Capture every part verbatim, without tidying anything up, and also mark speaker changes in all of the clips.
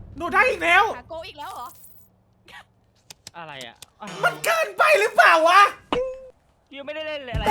Speaker 1: หนูได้อีกแล้ว
Speaker 2: คาโก้อีกแล้วเหรอ
Speaker 3: อะไรอ่ะ
Speaker 1: มันเกินไปหรือเปล่าวะ
Speaker 3: ยังไม่ได้เล่นเลยอะไร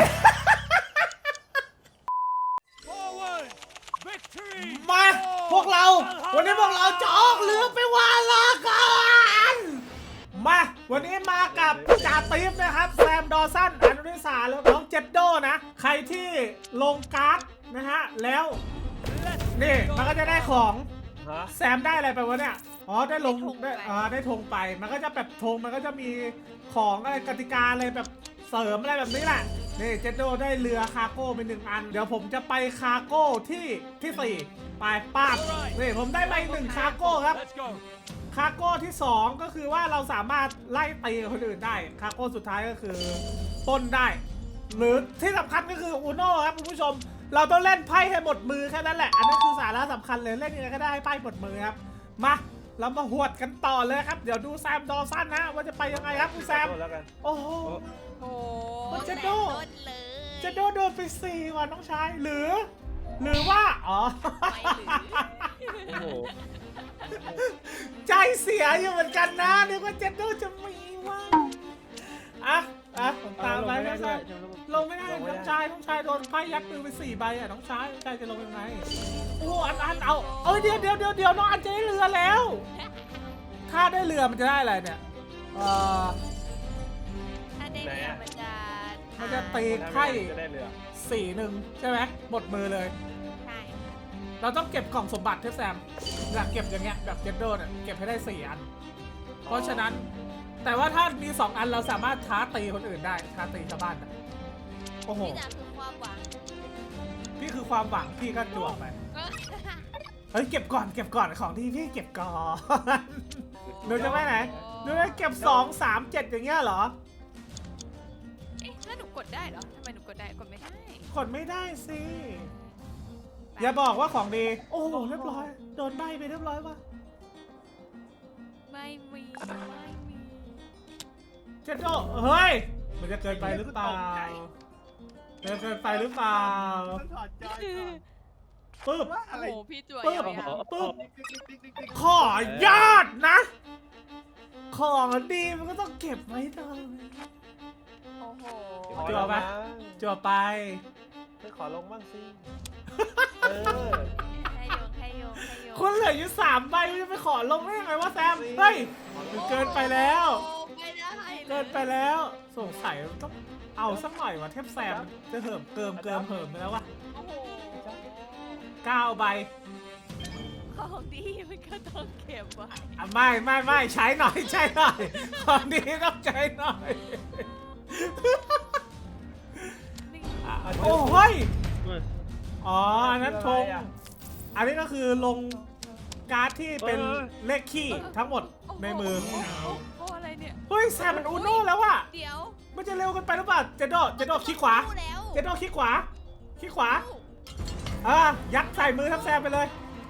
Speaker 1: มาพวกเราวันนี้พวกเราจะออกเรือไปวาลากันมาวันนี้มากับจ่าติ๊บนะครับแซมดอสันอนุนิสาแล้วน้องเจดโดนะใครที่ลงการ์ดนะฮะแล้วนี่มันก็จะได้ของแซมได้อะไรไปวะเนี่ยอ๋อได้ลงได้อ่าได้ธงไปมันก็จะแบบธงมันก็จะมีของอะไรกติกาอะไรแบบเสริมอะไรแบบนี้แหละนี่เจดโดได้เรือคาร์โก้ไปหนึ่งอันเดี๋ยวผมจะไปคาร์โก้ที่ที่สี่ไปป้าบนี่ผมได้ไปหนึ่งคาร์โก้ครับคาร์โก้ที่สองก็คือว่าเราสามารถไล่ตีคนอื่นได้คาร์โก้สุดท้ายก็คือปล้นได้ หรือที่สำคัญก็คืออูโน่ครับคุณผู้ชมเราต้องเล่นไพ่ให้หมดมือแค่นั้นแหละอันนั้นคือสาระสำคัญเลยเล่นยังไงก็ได้ให้ไพ่หมดมือครับมาเรามาหวดกันต่อเลยครับเดี๋ยวดูแซมดอสันนะว่าจะไปยังไงครับคุณแซมโอ้โห
Speaker 2: โอ้
Speaker 1: มันจะโดด
Speaker 2: แสนต้นเลย
Speaker 1: จะโดนโดนไปสี่ว่ะน้องชายหรือ หรือว่าอ๋อ
Speaker 2: ไม่หรือ
Speaker 3: โอ้โห
Speaker 1: ใจเสียอยู่เหมือนกันนะนึกว่าเจดโดจะมีว่ะอ่ะอ่ะผมตามไปน้องชายลงไม่ได้น้องชายน้องชายโดนไพ่ยัดมือไปสี่ใบอ่ะน้องชายน้องชายจะลงยังไงโอ้อันอันเอาเอ้ยเดี๋ยวเดี๋ยวเดี๋ยวเดี๋ยวน้องอันจะได้เรือแล้ว ถ้าได้เรือมันจะได้อะไรเนี่ยเออ
Speaker 2: ถ้าได้เรือมันจะ
Speaker 1: มันจะตีไพ่สี่หนึ่งใช่ไหมหมดมือเลย
Speaker 2: ใช่
Speaker 1: เราต้องเก็บกล่องสมบัติเทพแซมอยากเก็บอย่างเงี้ยแบบเจดโดเนี่ยเก็บให้ได้สี่อัน เพราะฉะนั้นแต่ว่าถ้ามีสองอันเราสามารถท้าตีคนอื่นได้ท้าตีชาวบ้านนะโอ้โห
Speaker 2: นี่จะคือความหวัง
Speaker 1: พี่คือความหวังพี่ก็จวกไปเฮ้ยเก็บก่อนเก็บก่อนของที่พี่เก็บก่อนหนูจะไปไหนหนูจะเก็บสองสามเจ็ดอย่างเงี้ยเหรอ
Speaker 2: เอ๊ะแล้วหนูกดได้เหรอทำไมหนูกดได้กดไม่ได้
Speaker 1: กดไม่ได้สิอย่าบอกว่าของดีโอ้โหเรียบร้อยโดนใบไปเรียบร้อยป่ะ
Speaker 2: ไม่มีไม่มี
Speaker 1: เจดโดเฮ้ยมันจะเกินไปหรือเปล่าเกินเกินไปหรือเปล่า
Speaker 4: ถอดจอยก่อน
Speaker 1: ปึ๊บ
Speaker 4: ว่า
Speaker 2: โอ้
Speaker 4: อะไร
Speaker 2: โหพี่จั่ว
Speaker 1: ปึ๊บ
Speaker 2: ยาว
Speaker 1: ปึ๊บ
Speaker 4: ติ๊กติ๊กติ๊กติ๊กติ๊ก
Speaker 1: ขอยอดนะ ของดีมันก็ต้องเก็บไว้ตลอด
Speaker 2: ๆโอ้โห
Speaker 1: จั่วปะ จั่วไป
Speaker 4: ไปขอลงบ้างสิเออ
Speaker 2: ให้โยงให้โยงให้โยง
Speaker 1: คุณเหลืออยู่สามใบจะไปขอลงได้ยังไงวะแซม เฮ้ยมันเกินไปแล้ว
Speaker 2: โอ้ไม่ได้ลย
Speaker 1: เกินไปแล้ว สงสัยต้องเอาสักหน่อยวะเทพแซมจะเหิมเกิมเกิมเหิมไปแล้ววะ
Speaker 2: โอ้โห
Speaker 1: เก้าใบ
Speaker 2: ของดีมันก็ต้องเก็บไว้
Speaker 1: อ่ะไม่ไม่ไม่ใช้หน่อยใช้หน่อยของดีต้องใช้หน่อย
Speaker 2: นี่
Speaker 1: อ่ะโอ้เฮ้ยอ๋ออันนั้นธงอันนี้ก็คือลงการ์ดที่เป็นเลขขี้ทั้งหมดในมือ
Speaker 2: โอ้โหโอ้อะไรเนี่ย
Speaker 1: เฮ้ยแซมมันอูโน่แล้วว่ะ
Speaker 2: เดี๋ยว
Speaker 1: มันจะเร็วกันไปหรือเปล่าเจโดเจโดขี้ขวา
Speaker 2: สู้แล้ว
Speaker 1: เจโดขี้ขวาขี้ขวาอ่ะยัดใส่มือทับแซมไปเลย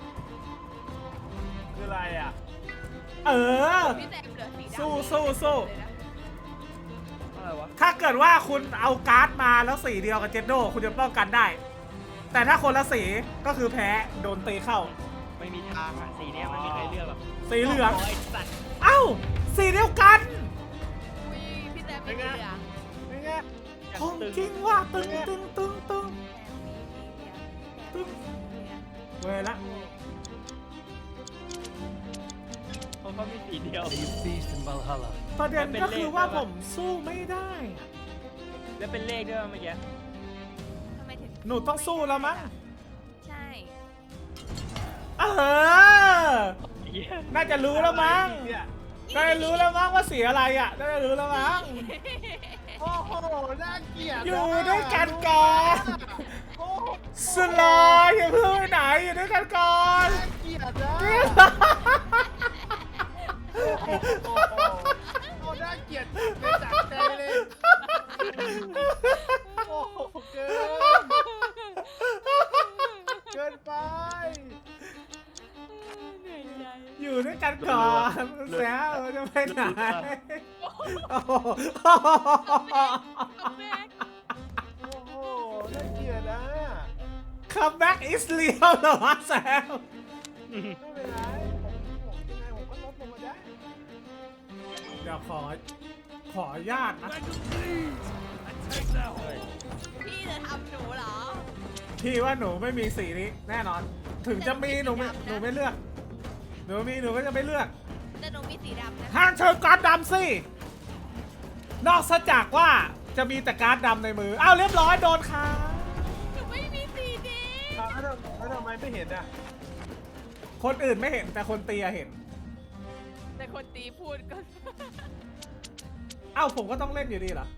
Speaker 4: คืออะไรอ่ะ
Speaker 1: เออ
Speaker 2: พี่แซมเหลือสีดำ
Speaker 1: สู้สู้สู้
Speaker 2: เลยนะ
Speaker 3: อะไรวะ
Speaker 1: ถ้าเกิดว่าคุณเอาการ์ดมาแล้วสีเดียวกับเจโดคุณจะป้องกันได้ แต่ถ้าคนละสีก็คือแพ้โดนตีเข้า
Speaker 3: ไม่มีทางอ่ะสีเนี้ยมันมีใครเลือกหรอก
Speaker 1: สีเหลือง
Speaker 3: โยสัตว์
Speaker 1: เอ้าสีเดียวกัน
Speaker 2: อุ้ยพี่แซมมีสีเหลือง
Speaker 4: นี่ไง
Speaker 3: อย่าง
Speaker 1: ของ
Speaker 3: ตึง
Speaker 1: จริงว่ะตึงตึงตึงตึง
Speaker 2: แซมมีสีเหลือง
Speaker 1: เว้ยละ
Speaker 3: เพราะเขามีสีเดียว
Speaker 5: Feast in Valhalla.
Speaker 1: ประเด็นก็คือว่าผมสู้ไม่ได้อะ
Speaker 3: แล้วเป็นเลขด้วยเมื่อกี้
Speaker 2: ทำไมถึง
Speaker 1: หนูต้องสู้แล้วมั้ง
Speaker 2: ใช่
Speaker 1: เออ
Speaker 3: เหี้ย
Speaker 1: น่าจะรู้แล้วมั้ง
Speaker 4: เนี่ย
Speaker 1: น่าจะรู้แล้วมั้งว่าสีอะไรอ่ะน่าจะรู้แล้วมั้ง
Speaker 4: โอ้โหน่าเกลียด
Speaker 1: อยู่ด้วยกันก่อน
Speaker 4: โอ้โห
Speaker 1: สลออย่าเพิ่งไปไหนอยู่ด้วยกันก่อน
Speaker 4: น่าเกลียดนะโอ้โหโอ้น่าเกลียดไปจากใจเลยโอ้โหเกินเกินไป
Speaker 2: เหนื่อยใจ
Speaker 1: อยู่ด้วยกันก่อนแซวจะไปไหนโอ้โห
Speaker 2: แม็ก
Speaker 4: โอ้โหน่าเกลียดนะ
Speaker 1: คัมแบ็กอิสเลียวเหรอแซว
Speaker 4: ไม่เป็นไรผมผมยังไง
Speaker 1: ดี๋ยวขอ ขออนุญาตนะ
Speaker 3: เฮ้ย
Speaker 2: พี่จะทำหนูเหรอ
Speaker 1: พี่ว่าหนูไม่มีสีนี้แน่นอน ถึงจะมีหนูไม่หนูไม่เลือก หนูมีหนูก็จะไม่เลือก
Speaker 2: แต่หนูมีสีดำนะ
Speaker 1: ห้ามเชิญการ์ดดำสิ นอกจากว่าจะมีแต่การ์ดดำในมือ อ้าวเรียบร้อยโดนค่ะ
Speaker 2: หนูไม่มีสีนี้
Speaker 4: อ้าวแล้วทำแล้วทำไมไม่เห็นอ่ะ
Speaker 1: คนอื่นไม่เห็นแต่คนตีอะเห็น
Speaker 2: แต่คนตีพูดก็
Speaker 1: เอ้าผมก็ต้องเล่นอยู่ดีเหรอ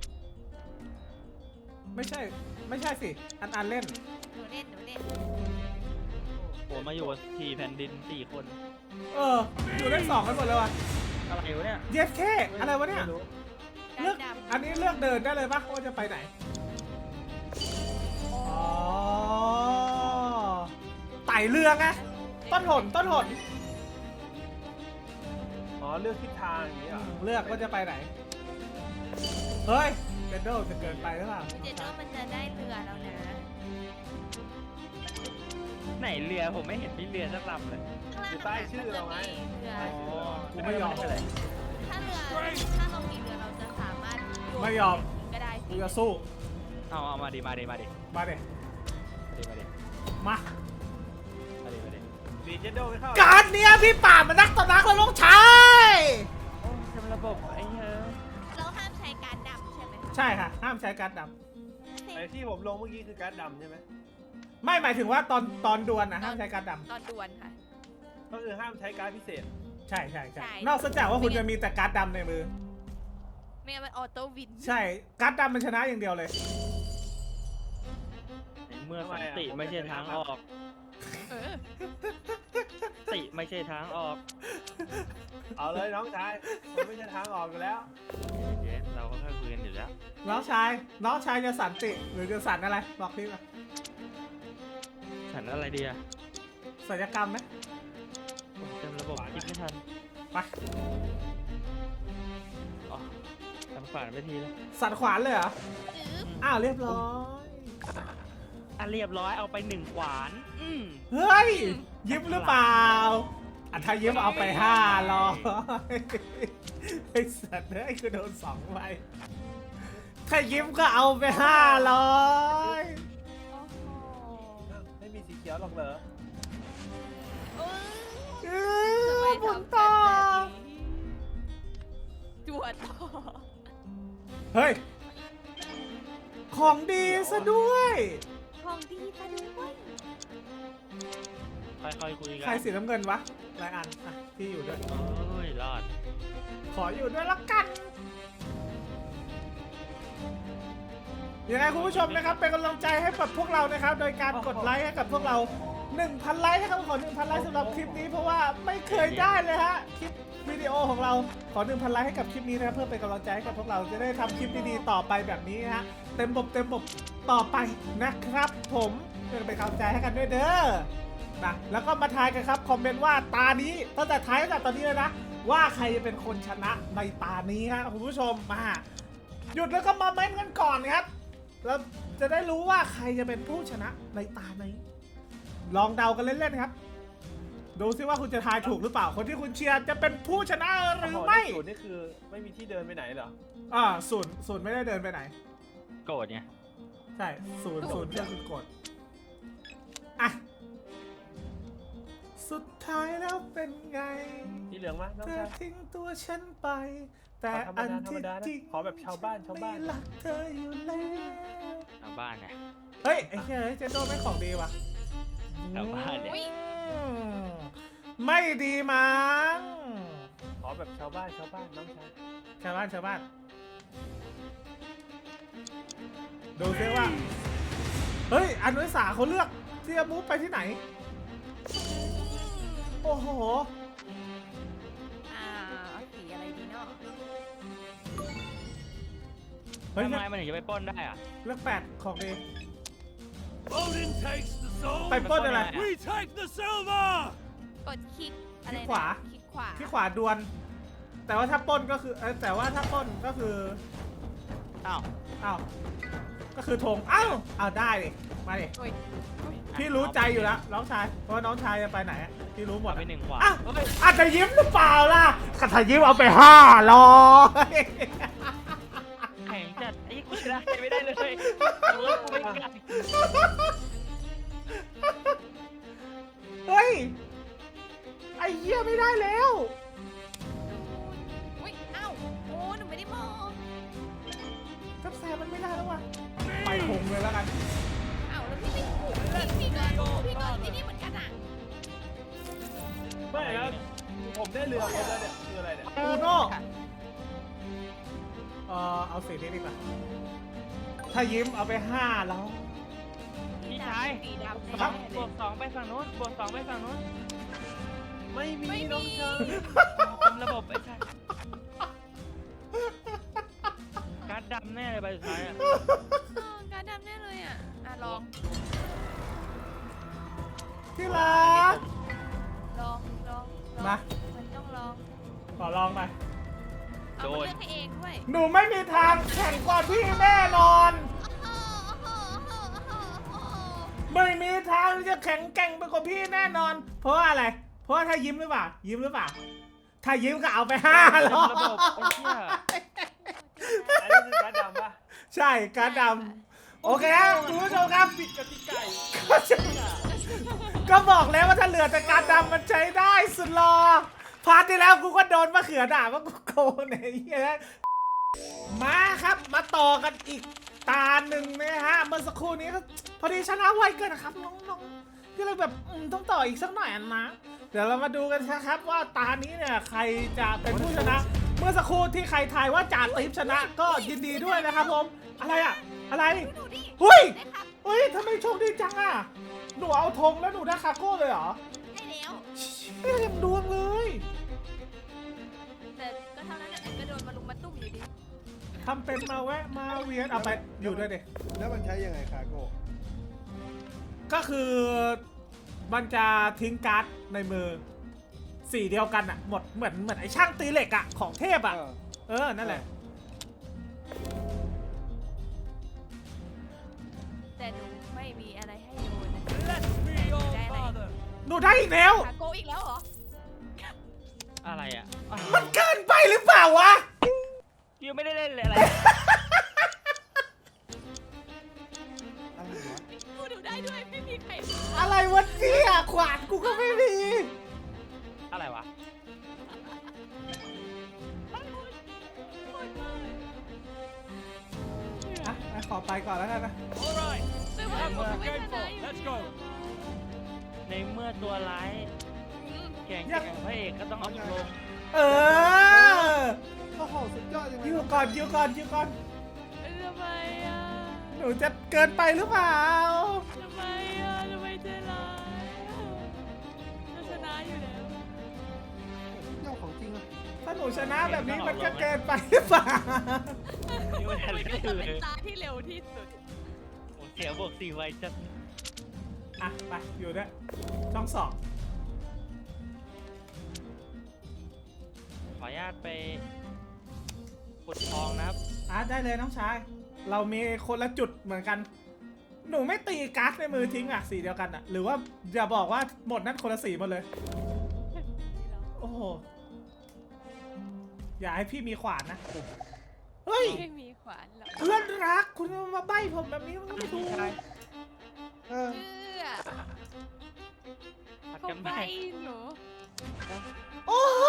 Speaker 1: ไม่ใช่ ไม่ใช่สิ อันอันเล่น
Speaker 2: หนูเล่นหนูเล่น
Speaker 3: ผมมาอยู่สี่แผ่นดินสี่คน
Speaker 1: เออ อยู่เล่นสองกันหมดเลยวะ
Speaker 3: อะไรวะเนี่ย
Speaker 1: เยสเคอะไรวะเนี่ย
Speaker 4: ไม่รู้
Speaker 1: เลือก
Speaker 2: ดำ
Speaker 1: อันนี้เลือกเดินได้เลยปะว่าจะไปไหน อ๋อ ไต่เรือไง ต้นหนต้นหน
Speaker 4: อ๋อเลือกทิศทางอย่างนี้เหรอ
Speaker 1: เลือกว่าจะไปไหน เฮ้ยเจนโดจะเกินไปหรือเปล่า
Speaker 2: เจนโดมันจะได้เรือแล้วนะ
Speaker 3: ไหนเรือผมไม่เห็นมีเรือสักลำเลย
Speaker 2: ข้างล่าง
Speaker 4: อยู่ใต้ชื่อเราไง
Speaker 2: เรือ
Speaker 3: อ๋อ
Speaker 1: กูไม่ยอม
Speaker 3: เลย
Speaker 2: ถ้าเรือถ้าเรามีเรือเราจะสามารถโน
Speaker 1: ไม่ยอม
Speaker 2: ก็ได้
Speaker 1: กู
Speaker 2: สิ
Speaker 1: จะสู้
Speaker 3: เอาเอามาดิมาดิมาดิ
Speaker 1: มาเด็
Speaker 3: มาดิมาดิ
Speaker 1: มา
Speaker 3: มาดิมาดิ
Speaker 4: ดีเจนโดไม่เข้า
Speaker 1: การเนี้ยพี่ป่ามันนักต่อนักแล้วลูกชาย
Speaker 3: โอ้ทำระบบไอ้เฮ้ย
Speaker 2: เราห้ามใช้การดำใช่ไหมคะ
Speaker 1: ใช่ค่ะ ห้ามใช้การด
Speaker 4: ไอ้ที่ผมลงเมื่อกี้คือการ์ดดำใช่ไหม
Speaker 1: ำไม่หมายถึงว่าตอนตอนดวลนะห้ามใช้การด
Speaker 2: ตอนดวนค่ะ
Speaker 4: ก็คือห้ามใช้การ์ดพิเศษ
Speaker 1: ำใช่ใช่ใช่
Speaker 2: ใช่
Speaker 1: นอกจากว่าคุณจะมีแต่การดดำในมือ
Speaker 2: ไม่งั้นมันออโต้วิน
Speaker 1: ใช่ การดดำมันชนะอย่างเดียวเลย
Speaker 3: ในเมื่อสันติไม่ใช่ทางออก
Speaker 2: เออ
Speaker 3: ติไม่ใช่ทางออก
Speaker 4: เอาเลยน้องชายมันไม่ใช่ทางออกอยู่แล้ว
Speaker 3: เย็นเราก็แค่คุยกันอยู่แล้ว
Speaker 1: น้องชาย น้องชายจะสันติ หรือจะสันอะไร บอกพี่มา
Speaker 3: ฉันอะไรดีอะ
Speaker 1: ศัลยกรรมไหม
Speaker 3: ผมจำระบบคิดไม่ทัน
Speaker 1: ไป
Speaker 3: อ๋อทำขวานไปทีแล้ว
Speaker 1: สันขวานเลยเหรอ
Speaker 2: จื๊บ
Speaker 1: อ้าวเรียบร้อย
Speaker 3: อ่ะเรียบร้อยเอาไปหนึ่งขวาน อืม
Speaker 1: เฮ้ย ยิ้มหรือเปล่าอ่ะถ้ายิ้มเอาไปห้าร้อยไอ้สัตว์เฮ้ยคือโดนสองใบถ้ายิ้มก็เอาไปห้าร้อย
Speaker 2: โอ้โห
Speaker 4: ไม่มีสีเขียวหรอกเหรอ
Speaker 2: เอ้ย
Speaker 1: เอ
Speaker 2: ทำไม
Speaker 1: อผ
Speaker 2: ทำ
Speaker 1: ม
Speaker 2: กัน
Speaker 1: ต่อ
Speaker 2: แบบนี้จวดต่อ
Speaker 1: เฮ้ย ของดีซะด้วย
Speaker 2: ของดีซะด้วย
Speaker 3: ค่อยๆคุยกัน
Speaker 1: ใครสีน้ำเงินวะรายอันอ่ะพี่อยู่ด้วย
Speaker 3: โอ้ยรอด
Speaker 1: ขออยู่ด้วยละกัน ยังไงคุณผู้ชมนะครับเป็นกำลังใจให้กับพวกเรานะครับ โดยการกดไลค์ให้กับพวกเรา หนึ่งพัน ไลค์นะครับขอ หนึ่งพัน ไลค์สำหรับคลิปนี้เพราะว่าไม่เคยได้เลยฮะคลิปวิดีโอของเราขอ หนึ่งพัน ไลค์ให้กับคลิปนี้นะครับเพื่อเป็นกำลังใจให้กับพวกเราจะได้ทำคลิปดีๆต่อไปแบบนี้ฮะเต็มบบเต็มบบต่อไปนะครับ ผมเพื่อเป็นกำลังใจให้กันด้วยเด้อนะแล้วก็มาทายกันครับคอมเมนต์ว่าตานี้ตั้งแต่ท้ายตั้งแต่ตอนนี้เลยนะว่าใครจะเป็นคนชนะในตานี้ฮะคุณผู้ชมมาหยุดแล้วก็มาเม้นต์กันก่อนครับแล้วจะได้รู้ว่าใครจะเป็นผู้ชนะในตานี้ ลองเดากันเล่นๆครับ ดูซิว่าคุณจะทายถูกหรือเปล่า คนที่คุณเชียร์จะเป็นผู้ชนะหรือไม่
Speaker 4: ศูนย์นี่คือไม่มีที่เดินไปไหนเหรอ
Speaker 1: อ่าศูนย์ศูนย์ไม่ได้เดินไปไหน
Speaker 3: โกรธไง
Speaker 1: ใช่ศูนย์ศูนย์ก็คือกดอ่ะ สุดท้ายแล้วเป็นไง
Speaker 4: ที่เหลืองมั้ยน้อง
Speaker 1: เธอ
Speaker 4: ชาย
Speaker 1: ทิ้งตัวฉันไป แต่
Speaker 4: ขอธรรม
Speaker 1: อัน
Speaker 4: ดาธรรม
Speaker 1: ที่
Speaker 4: ดานะ
Speaker 1: จริง
Speaker 4: ขอแบบชาวบ้านชาวบ้าน
Speaker 1: ไม่รักเธออยู่แล้ว
Speaker 3: ชาวบ้านไง
Speaker 1: เฮ้ยไอ้เฮ้ยเจนโดไม่ของดีว่ะ
Speaker 3: ชาวบ้านเนี่ย
Speaker 2: อุ๊ย
Speaker 1: อืมไม่ดีมั้ง
Speaker 4: ขอแบบชาวบ้านชาวบ้านน้องชาย
Speaker 1: ชาวบ้านชาวบ้าน ดูซิว่า เฮ้ยอนุสาเขาเลือกที่จะมูฟไปที่ไหน โอ้โห
Speaker 2: อ่าเอาสีอะไรดีเนาะ
Speaker 1: เฮ้ย
Speaker 3: ทำ
Speaker 1: เลือก
Speaker 3: ไมมันถึงจะไปปล้นได้อะ
Speaker 1: เลือกแปดของดี
Speaker 5: Odin takes the soul.
Speaker 1: ไปปล้นอะไร
Speaker 5: We take the silver.
Speaker 2: กดคลิกอะไร
Speaker 1: คลิ
Speaker 2: นะ
Speaker 1: กขวา
Speaker 2: คลิกขวา
Speaker 1: ที่ขวาดวน แต่ว่าถ้าปล้นก็คือเอ้ยแต่ว่าถ้าปล้นก็คือ
Speaker 3: อ้าว
Speaker 1: อ้าว ก็คือธงอ้าวอ้าวได้ดิมาดิ
Speaker 2: โอ้ยโอ้ย
Speaker 1: พี่รู้ใจอยู่แล้วน้องชายเพราะว่าน้องชายจะไปไหนอะพี่รู้หมด
Speaker 3: เอาไปหนึ่งขวาน
Speaker 1: อ่ะ
Speaker 3: เฮ้ย
Speaker 1: อาจจะยิ้มหรือเปล่าล่ะถ้ายิ้มเอาไปห้าร้อย
Speaker 3: แข่งจัดไอ้กูชนะไม่ได้เลยเออกูไม่กล้า
Speaker 1: เฮ้ยไอ้เหี้ยไม่ได้แล้ว
Speaker 2: อุ้ยเอ้าโอ้หนูไม่ได้มอง
Speaker 1: ทับแซมมันไม่ได้แล้วว่ะไปหงเลยแล้วกัน
Speaker 2: เอ้าแล้วพี่ไม่ถูกพี่เกินพี่เกินที่นี่เหมือนกันอ่ะ
Speaker 4: ไม่ครับผมได้เรือครบแล้วเนี่ยคืออะไรเนี่ย
Speaker 1: อูโน่เออเอาสีนี้ดีกว่าถ้ายิ้มเอาไปห้าแล้ว
Speaker 3: พี่ชาย
Speaker 2: สีดำ
Speaker 3: สองบวกสองไปฝั่งนู้นบวกสองไปฝั่งนู้น
Speaker 4: ไม่มีน้องชาย
Speaker 3: เต็มระบบไอ้ชายการ์ดดำแน่เลยใบสุดท้ายอ่ะ
Speaker 2: การดำแน่เลยอ่ะอ่ะลอง
Speaker 1: ที่รัก
Speaker 2: ลองลองลอง
Speaker 1: มา
Speaker 2: มันต้องลอง
Speaker 1: ขอลองมา
Speaker 2: เอามาเลือกให้เองด้วย
Speaker 1: หนูไม่มีทางแข่งกว่าพี่แน่นอน ไม่มีทางที่จะแข็งแกร่งไปกว่าพี่แน่นอน เพราะว่าอะไร เพราะว่าถ้ายิ้มหรือเปล่า ยิ้มหรือเปล่า ถ้ายิ้มก็เอาไปห้า
Speaker 3: เต็ม
Speaker 1: ร้อย
Speaker 3: ระบบไอ้เหี้ย
Speaker 4: อันนี้คือการดำปะ
Speaker 1: ใช่การดดำโอเคครับคุณผู้ชมครับ
Speaker 4: ปิดกติกา
Speaker 1: ก็จะก็บอกแล้วว่าถ้าเหลือแต่การดำมันใช้ได้สุดรอพาร์ทที่แล้วกูก็โดนมะเขือด่าว่ากูโกงไอ้เหี้ยมาครับมาต่อกันอีกตาหนึ่งนะฮะเมื่อสักครู่นี้ก็พอดีชนะไวเกินนะครับน้องๆก็เลยแบบอืมต้องต่ออีกสักหน่อยนะ เดี๋ยวเรามาดูกันนะครับว่าตานี้เนี่ยใครจะเป็นผู้ชนะ เมื่อสักครู่ที่ใครทายว่าจ่าติ๊บชนะก็ยินดีด้วยนะครับผมอะไรอะอะไร
Speaker 2: ดูดิ
Speaker 1: เฮ้ย
Speaker 2: ได้ครับ
Speaker 1: เฮ้ยทำไมโชคดีจังอะหนูเอาธงแล้วหนูได้คาโก้เลยเหรอ
Speaker 2: ได้แล้ว
Speaker 1: ไม่เต็มดวงเลย
Speaker 2: แต่ก็เท่านั้นแหละก็โดนมาลุมมาตุ้มอยู่ดี
Speaker 1: ทำเป็นมาแวะมาเวียนเอาไปอยู่ด้วยดิ
Speaker 4: แล้วมันใช้ยังไงคาโก้
Speaker 1: ก็คือมันจะทิ้งการ์ดในมือสีเดียวกันอะหมดเหมือนเหมือนไอ้ช่างตีเหล็กอะของเทพอะ
Speaker 4: เออ
Speaker 1: เออนั่นแหละ
Speaker 2: แต่หนูไม่มีอะไรให้โยนนะ
Speaker 5: Let me your father.
Speaker 1: หนูได้อีกแล้ว
Speaker 2: คาโกอีกแล้วเหรอ
Speaker 3: อะไรอ่ะอ่ะ
Speaker 1: มันเกินไปหรือเปล่าวะ
Speaker 3: ยังไม่ได้เล่นเลยอะไร
Speaker 4: อะไรวะ
Speaker 2: พูดดูได้ด้วยไม่มีใคร
Speaker 1: อะไรวะเนี่ยขวานกูก็ไม่มี
Speaker 3: อะไรวะ
Speaker 1: อ่ะอ่ะขอไปก่อนแล้วกันนะ
Speaker 5: All right.
Speaker 2: ไม่ว่า
Speaker 5: That's
Speaker 2: ผม
Speaker 5: what
Speaker 2: ไม่
Speaker 5: the
Speaker 2: ช
Speaker 5: game
Speaker 2: นะ
Speaker 5: for.
Speaker 2: อยู่
Speaker 5: Let's go.
Speaker 3: ในเมื่อตัวร้ายแข่ง
Speaker 1: ยั
Speaker 3: แข่
Speaker 1: ง
Speaker 3: งพระเอกก็ต้องเอาลง
Speaker 1: เออ
Speaker 4: โอ้โหสุดยอดจังเลย
Speaker 1: อยู่ก่อนอยู่ก่อนอยู่ก่อน
Speaker 2: ทำไมอ่ะ
Speaker 1: หนูจะเกินไปหรือเปล่า
Speaker 2: ทำไมอ่ะทำไมใจร้ายจะชนะอยู่แล้ว
Speaker 4: เจ้าของจริงอะ
Speaker 1: ถ้าหนูชนะแบบนี้มันก็เกินไปหรือเปล่า
Speaker 3: นี่มัน
Speaker 2: มั
Speaker 3: อะ
Speaker 2: น
Speaker 3: ไร
Speaker 2: ก็
Speaker 3: ก็
Speaker 2: จะ
Speaker 3: คือ
Speaker 2: เป็นตาที่เร็วที่สุด
Speaker 3: โอ้เสียบวกสี่ไวจัด
Speaker 1: อ่ะไปอยู่ด้วยช่องสอง
Speaker 3: ขออนุญาตไปขุดทองนะครับ
Speaker 1: อ่ะได้เลยน้องชาย เรามีคนละจุดเหมือนกัน หนูไม่ตีการ์ดในมือทิ้งอ่ะสีเดียวกันอ่ะ หรือว่าอย่าบอกว่าหมดนั้นคนละสีหมดเลย โอ้โห อย่าให้พี่มีขวานนะ เฮ้ย
Speaker 2: ไม่มีขวานหรอก
Speaker 1: เพื่อนรักคุณมาใบ้ผมแบบนี้มันก็ไม่ถูก
Speaker 4: เออ
Speaker 2: เพื่อ
Speaker 3: ผัด
Speaker 2: เขา
Speaker 3: กัน
Speaker 2: ไป
Speaker 3: ไป
Speaker 2: หนู
Speaker 1: โอ้โห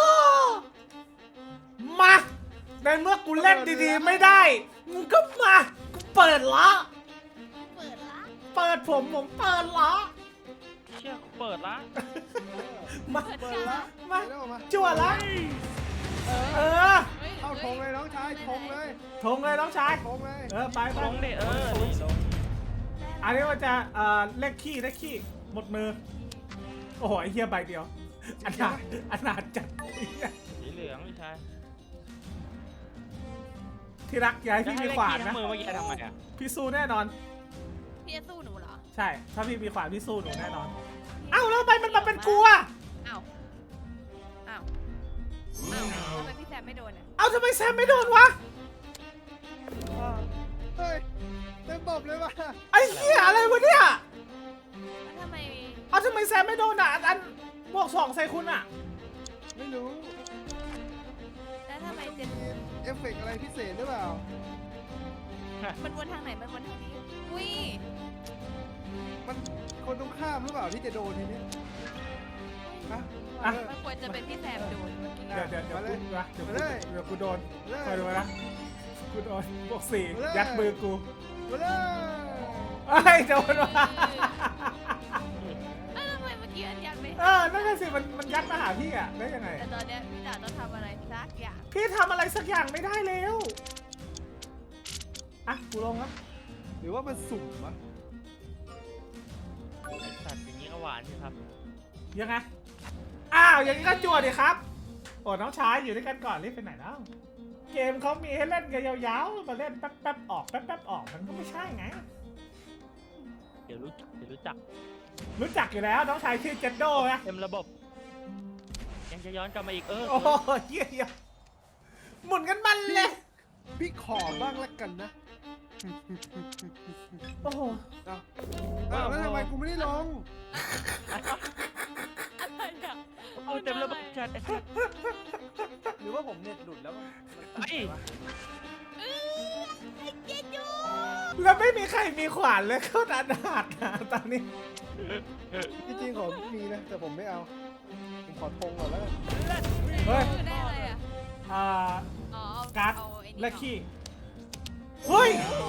Speaker 1: มาในเมื่อกูเล่นดีๆไม่ได้มึงก็มากูเปิดละ
Speaker 2: เปิดละ
Speaker 1: เปิดผมผมเปิดละ
Speaker 3: เชื่อกูเปิดละ
Speaker 1: มา
Speaker 2: เปิด
Speaker 4: เปิด
Speaker 2: กา
Speaker 4: ละ
Speaker 1: มา
Speaker 4: เดี๋ยวออกมา
Speaker 1: จั่วละ
Speaker 2: เออ
Speaker 1: เออ
Speaker 2: ฮ้ย
Speaker 4: เข้าธงเลยน้องชายธงเลย
Speaker 1: ทงเลยน้องชาย
Speaker 4: ธงเลย
Speaker 1: เออไปไป
Speaker 3: ลงดิเออนี่ลง
Speaker 1: อันนี้มันจะเอ่อเลขขี้เลขขี้หมดมือ โอ้โหไอ้เหี้ยใบเดียวอนาถอนาถจัด
Speaker 3: สีเหลืองพี่ชาย
Speaker 1: ที่รักอย้าย
Speaker 3: จะ
Speaker 1: พี่
Speaker 3: ให้
Speaker 1: มี
Speaker 3: เล่น
Speaker 1: ขวาน
Speaker 3: ขี้ทั้
Speaker 1: นะ
Speaker 3: งมือเมื่อกี้ทำไมอ่ะ
Speaker 1: พี่สู้แน่นอน
Speaker 2: พี่จะสู้หนูเหรอ
Speaker 1: ใช่ ถ้าพี่มีขวานพี่สู้หนูแน่นอน เอ้าแล้วทำไมมันมาเป็นกูอะ
Speaker 2: อ้าวอ้าวอ้าวทำไมพี่แซมไม่โดนอ่ะ
Speaker 1: เอ้าทำไมแซมไม่โดนวะ
Speaker 4: เฮ้ยเต็มตบเลยว่ะ
Speaker 1: ไอ้เหี้ยอะไรวะเนี่ย
Speaker 2: แล้วทำไม
Speaker 1: เอาทำไมแซมไม่โดนอ่ะอันอันบวกสองใส่คุณอ่ะ
Speaker 4: ไม่รู้
Speaker 2: แล้วทำไมเจน
Speaker 4: มีเอฟเฟกต์อะไรพิเศษหรือเปล่า
Speaker 2: มันวนทางไหนมันวนทางนี้อุ้ย
Speaker 4: มันคนตรงข้ามหรือเปล่าที่จะโดนทีนี้ฮะ
Speaker 1: อ่ะ
Speaker 4: เออ
Speaker 2: มันควรจะเป็นพี่แซมโดนเมื่อกี้
Speaker 1: เดี๋ยวเดี๋ยวเดี๋ยว
Speaker 4: มาเลย
Speaker 1: กูนะเดี๋ยว
Speaker 4: มา
Speaker 1: กู
Speaker 4: เลย
Speaker 1: เดี๋ยวกูโดน
Speaker 4: มาเลย
Speaker 1: คอยดูนะกูโดนบวกสี่
Speaker 4: มาเลย
Speaker 1: ยัดมือกู
Speaker 4: มาเลย
Speaker 1: ไอ้ยโดนว่ะ
Speaker 2: เอ้าทำไมเมื่อกี้อันยันไม่
Speaker 1: เออนั่นน่ะสิมันมันยัดมาหาพี่อ่ะได้ยังไง
Speaker 2: แต่ตอนเนี้ยพี่จ๋าต้องทำอะไรสักอย่าง
Speaker 1: พี่ทำอะไรสักอย่างไม่ได้แล้วอ่ะกูลงแล้ว
Speaker 4: หรือว่ามันสุ่มวะ
Speaker 3: ไอ้สัตว์อย่างนี้ก็หวานใช่ครับ
Speaker 1: ยังไงอ้าวอย่างนี้ก็จวดดิครับโอ้น้องชายอยู่ด้วยกันก่อนรีบไปไหนแล้วเกมเขามีให้เล่นกันยาวๆมาเล่นแป๊บๆออกแป๊บๆออกมันก็ไม่ใช่ไง
Speaker 3: เดี๋ยวรู้จักเดี๋ยวรู้จัก
Speaker 1: รู้จักอยู่แล้วน้องชายชื่อเจนโดไง
Speaker 3: เต็มระบบ ยังจะย้อนกลับมาอีกเออ
Speaker 1: โอ้โหเยี่ยมหมุนกันมันเลย
Speaker 4: พี่ขอบ้างละกันนะ
Speaker 1: โอ้โห
Speaker 4: เอาเอาแล้วทำไมกูไม่ได้ลง
Speaker 2: อะไรอ่ะ
Speaker 3: เอาเต็มระบบจัดไอ้สัตว์
Speaker 4: หรือว่าผมเน็ตหลุดแล้ว
Speaker 3: ไอ้
Speaker 2: เออไอ้เจจู
Speaker 1: แล้วไม่มีใครมีขวานเลยเข้าดันหักนะตอนนี้
Speaker 4: จริงๆผมมีนะ แต่ผมไม่เอา ผมขอทงก่อนแล้วกัน
Speaker 1: เฮ้ย
Speaker 2: คือได้อะไรอ่ะ
Speaker 1: อ่า
Speaker 2: อ๋อเอา
Speaker 1: การ์ด
Speaker 2: เอาไอ้นี่
Speaker 1: และขี้เฮ้ย
Speaker 2: โอ้โห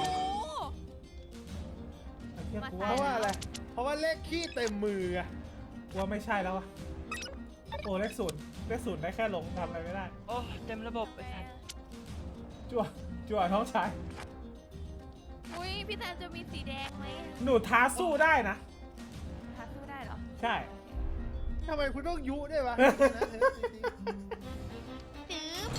Speaker 1: ไอ้เหี้ยกู
Speaker 4: เพ
Speaker 1: ว่า
Speaker 4: ราะว่าอะไร เพราะว่าเลขขี้เต็มมืออะ
Speaker 1: กูว่าไม่ใช่แล้ววะโอ้เลขศูนย์เลขศูนย์ได้แค่หลงทำอะไรไม่ได้
Speaker 3: โอ้เต็มระบบไอ้สัตว์
Speaker 1: จั่วจั่วน้องชาย
Speaker 2: อุ้ยพี่แซมจะมีสีแดงไหม
Speaker 1: หนูท้าสู้ได้นะ
Speaker 2: หาสู้ได้เหรอ
Speaker 1: ใช่
Speaker 4: ทำไมคุณต้องยุด้วยวะจริง
Speaker 2: จื๊บ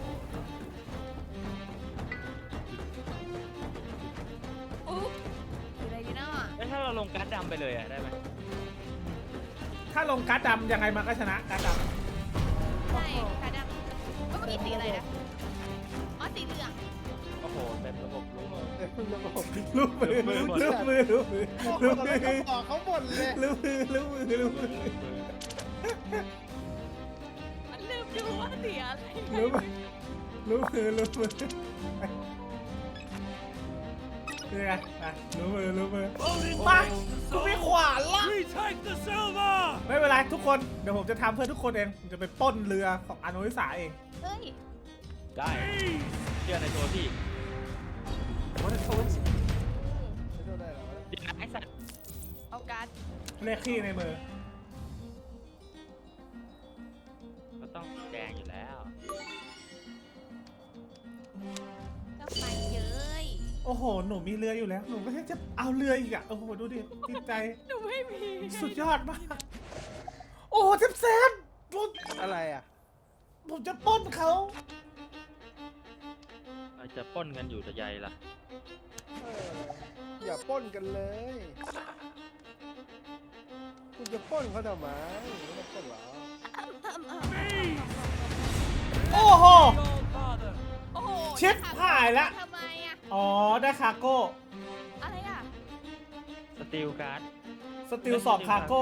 Speaker 2: อุ๊บคืออะไรดีเนาะ
Speaker 3: แล้วถ้าเราลงการ์ดดำไปเลยอะได้ไหม
Speaker 1: ถ้าลงการ์ดดำยังไงมันก็ชนะการ์ดด
Speaker 2: ใช่ค่ะดำเมื่อกี้สีอะไรนะอ๋อสีเหลือง
Speaker 3: โอ้โหเต็มระบบรู้หมด
Speaker 4: ๆเต็มระบบ
Speaker 1: ำลูกมือลูกมือลูกมือลูกมือ
Speaker 4: โอ้โห
Speaker 1: ลูก
Speaker 4: ตอน
Speaker 1: มื
Speaker 4: แร
Speaker 1: อก
Speaker 4: เขาบอกเขาบ่นเลย
Speaker 1: ลูกมือลูกมือลูกมือ
Speaker 2: มันลืมดูว่าสีอะไร
Speaker 1: ลูกมือลูกมือลูกมือนี่ไงอ่ะลูกมือลูกมือมากูไม่ขวานละ
Speaker 5: We take the silver!
Speaker 1: ไม่เป็นไรทุกคนเดี๋ยวผมจะทำเพื่อทุกคนเองผมจะไปปล้นเรือของอนุวิสาเอง
Speaker 2: เฮ้ย
Speaker 3: ได้เชื่อในตัวพี่
Speaker 4: ไม่โทษได้หรอ
Speaker 3: เดี๋ยวนะไอ้สัตว์
Speaker 2: เอาการ์ด
Speaker 1: เลขขี้ในมือ
Speaker 3: ก็ต้องสีแดงอยู่แล้ว
Speaker 2: ก็ไปเย้ย
Speaker 1: โอ้โหหนูมีเรืออยู่แล้วหนูก็แค่จะเอาเรืออีกอ่ะโอ้โหดูดิจิตใจ
Speaker 2: หนูไม่มี
Speaker 1: สุดยอดมากโอ้โหเซฟเซฟผม
Speaker 4: อะไรอ่ะ
Speaker 1: ผมจะปล้นเขา
Speaker 3: เราจะปล้นกันอยู่แต่ใยล่ะ
Speaker 4: เอออย่าปล้นกันเลย คุณจะปล้นเขาทำไมไม่ต้องปล้นหรอ
Speaker 1: โอ้โห
Speaker 5: Godfather!
Speaker 2: โอ้โห
Speaker 1: ชิบหายละ
Speaker 2: ทำไมอ่ะ
Speaker 1: อ๋อได้คาร์โก้
Speaker 2: อะไรอ่ะ
Speaker 3: สตีลการ์ด
Speaker 1: สติลสองคาร์โก้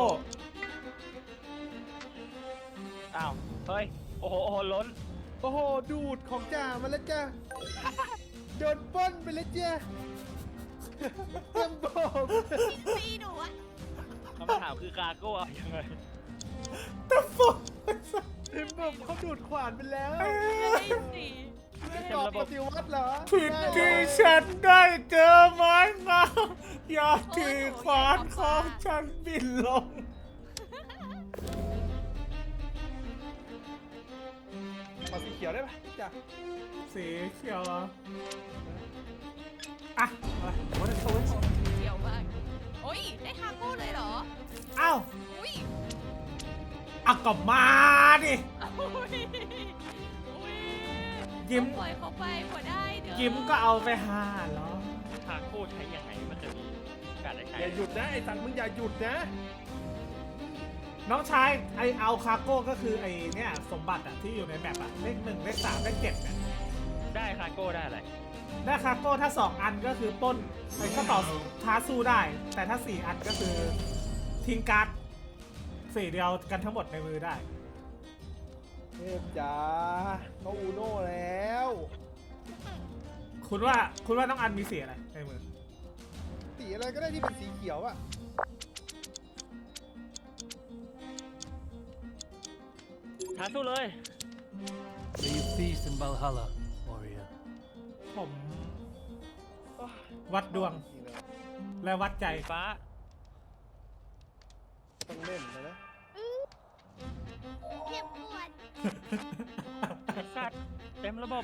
Speaker 3: อ้าวเฮ้ยโอ้โหโอ้โหล้น
Speaker 4: โอ้โห ดูดของจ่ามาแล้วจ้าโดนปล้นไปแล้วจ้าเต็มบบ
Speaker 2: ตีหนูอ่ะ
Speaker 3: คำถามคือคาร์โก้เอายังไง
Speaker 1: แต่ฟุก
Speaker 4: เต็มบบเขาดูดขวานไปแล้ว
Speaker 2: ไม่ได้สี
Speaker 4: ไม่ได้บอกปฏิวัติเหรอ
Speaker 1: ผิดที่ฉันได้เจอไม้งามอย่าถือขวานของฉันบินลง
Speaker 4: ขอสีเขียวได้ปะจ้า
Speaker 1: สีเขียวเหรออ่ะมาโอ้โห
Speaker 2: เดี๋ยวมากโอ้ย ได้คาโก้เลยเหรอ
Speaker 1: เอ้า
Speaker 2: อุ้ย
Speaker 1: เอากลับมาดิ
Speaker 2: อุ้ยอุ้ย
Speaker 1: ยิ้ม
Speaker 2: ปล่อยเขาไปพอได้เด้อ
Speaker 1: ยิ้มก็เอาไปหาเหรอ
Speaker 3: คาร์โก้ใช้ยังไงมันจะมีการได้ใช้
Speaker 4: อย่าหยุดนะไอ้สันมึงอย่าหยุดนะ
Speaker 1: น้องชายไอเอาคาร์โก้ก็คือไอเนี่ยสมบัติอะที่อยู่ในแมปอะเลขหนึ่งเลขสามเลขเจ็ดเนี่ย
Speaker 3: ได้คาร์โก้ได้อะไร
Speaker 1: ได้คาโก้ถ้าสองอันก็คือปล้นไอ้ก็ต่อท้าสู้ได้ แต่ถ้าสี่อันก็คือทิ้งการ์ดสี่เดียวกันทั้งหมดในมือได้
Speaker 4: เทพจ๋าเขาอูโน่แล้ว
Speaker 1: คุณว่าคุณว่าน้องอันมีสีอะไรในมือ
Speaker 4: สีอะไรก็ได้ที่เป็นสีเขียวอะ
Speaker 3: ท้าสู้เลย
Speaker 5: May you feast in Valhalla, warrior.
Speaker 1: ผมวัดดวง
Speaker 4: จริงๆนะ
Speaker 1: และวัดใจ
Speaker 3: ฟ้า
Speaker 4: ต้องเล่นนะนะ
Speaker 2: เจ็บปวด
Speaker 3: ไอ้สัตว์เต็มระบบ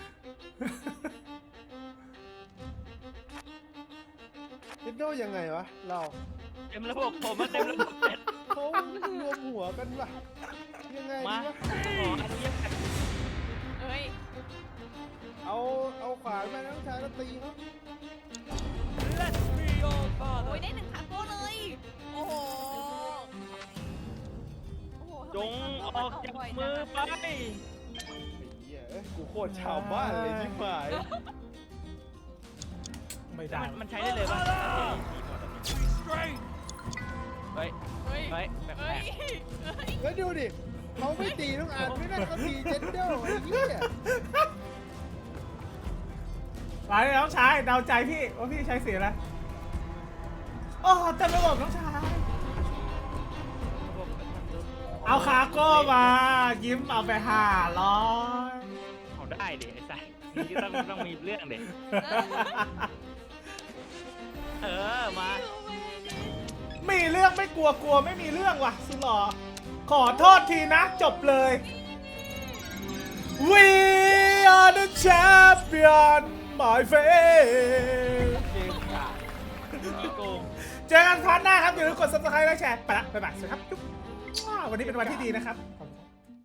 Speaker 4: เล่นโดยังไงวะเรา
Speaker 3: เต็มระบบผมมาเต็มระบบเสร็จ
Speaker 4: เขารวมหัวกันวะยังไง
Speaker 3: มา
Speaker 4: ดีวะ
Speaker 3: ขออนุญาต
Speaker 2: เอ้ย
Speaker 4: เอาเอาขวานมาน้องชายแล้วตีเขา
Speaker 5: Let me, your
Speaker 2: โอ้ย
Speaker 5: father.
Speaker 2: ได้หนึ่งคาโก้เลย โอ้โห โอ้โห
Speaker 3: จงออกจากมือไป
Speaker 4: ไอ้เหี้ยเอ้ยกูโคตรชาวบ้านเลยชิบหาย
Speaker 1: ไม่ได้
Speaker 3: มันมันใช้ได้เลยป่ะ
Speaker 5: Restrain.
Speaker 3: เฮ้ย
Speaker 2: เฮ้ย
Speaker 3: เฮ้ยแปล
Speaker 2: เฮ้ย
Speaker 3: ก
Speaker 2: เฮ้ย
Speaker 4: แล้วดูดิเขาไม่ตีน้องอ่านไม่ได้เขาตีเจนเดลไอ้เหี้ย
Speaker 1: ไปน้องชายเดาใจพี่ว่าพี่ใช้สีอะไรโอ้เต็มระบบน้องชาย
Speaker 3: ๆระบบมันทำดู
Speaker 1: เอาคาโก้มา ยิ้มเอาไปห้าร้อย
Speaker 3: เอาได้ดิไอ้สัตว์นี่ก็ต้องต้องมีเรื่องดิเออมา
Speaker 1: มีเรื่องไม่กลัวกลัวไม่มีเรื่องว่ะสุดหล่อขอโทษทีนะจบเลย We are the champion my friend
Speaker 4: เกมขาด
Speaker 3: ขี้โกง
Speaker 1: เจอกันครั้งหน้าครับอย่าลืมกด ซับสไครบ์ และแชร์ไปละบ๊ายบายสวัสดีครับจุ๊บว้าววันนี้เป็นวันที่ดีนะครับ